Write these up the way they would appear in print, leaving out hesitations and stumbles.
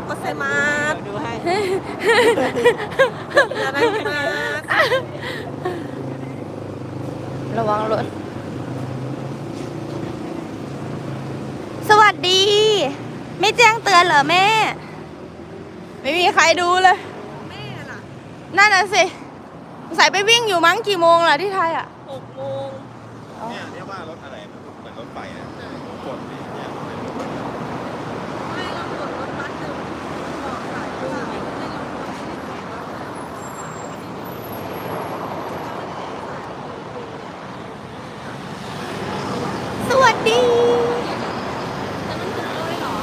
โกเซมาสดูให้อะไรมาระวังรถสวัสดี ไม่แจ้งเตือนเหรอแม่ ไม่มีใครดูเลยแม่ล่ะนั่นน่ะสิใส่ไปวิ่งอยู่มั้งกี่โมงล่ะที่ไทยอ่ะ 6 โมงเนี่ยว่ารถอะไรมันเหมือนรถไฟนะกดนี่เนี่ยไม่เรากดรถบัสอยู่บอกสายว่าไม่ลงรถสวัสดีแต่มันถึงเลยเหรอ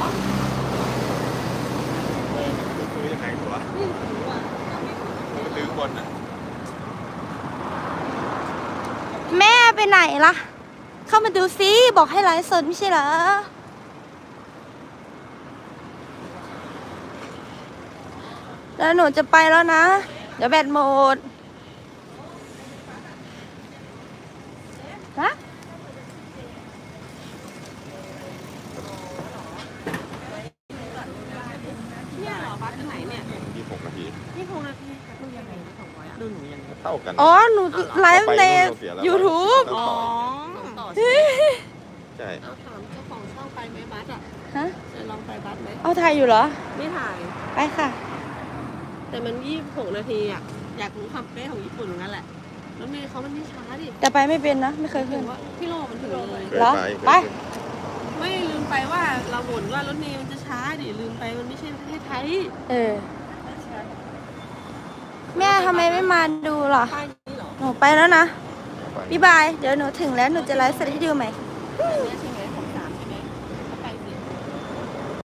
ซื้อยังไงตัวไม่รู้อ่ะเราไม่รู้มันซื้อคนอ่ะแม่ไปไหนล่ะ เข้ามาดูซิบอกให้ไลฟ์สดไม่ใช่เหรอ แล้วหนูจะไปแล้วนะ เดี๋ยวแบตหมดฮะเนี่ยเหรอบัสอันไหนเนี่ย 26 นาทีนี่6 นาทีดูยังไง200อ่ะดูหนูยังไงเท่ากันอ๋อ หนูไลฟ์ใน YouTube อ๋อใช่เอาถามเจ้าของช่องไปไหมบัสอ่ะฮะจะลองไปบัสไหมเอาถ่ายอยู่เหรอไม่ถ่ายไปค่ะแต่มัน26 นาทีอ่ะอยากรู้ความเป๊ะของญี่ปุ่นงั้นแหละแล้วเมย์เขามันไม่ช้าดิแต่ไปไม่เป็นนะ ไม่เคยถึขึ้นงว่าพี่โลมันถึงเลยเหรอไปไม่ลืมไปว่าเราบ่นว่ารถเมล์มันจะช้าดิลืมไปมันไม่ใช่ประเทศไทยเออ แม่ทำไมไม่มาดูล่ะป้ายนี้เหรอหนูไปแล้วนะ บ๊ายบาย เดี๋ยวหนูถึงแล้วหนูจะไลฟ์สดให้ดูใหม่อันเนี้ยใช่ไหม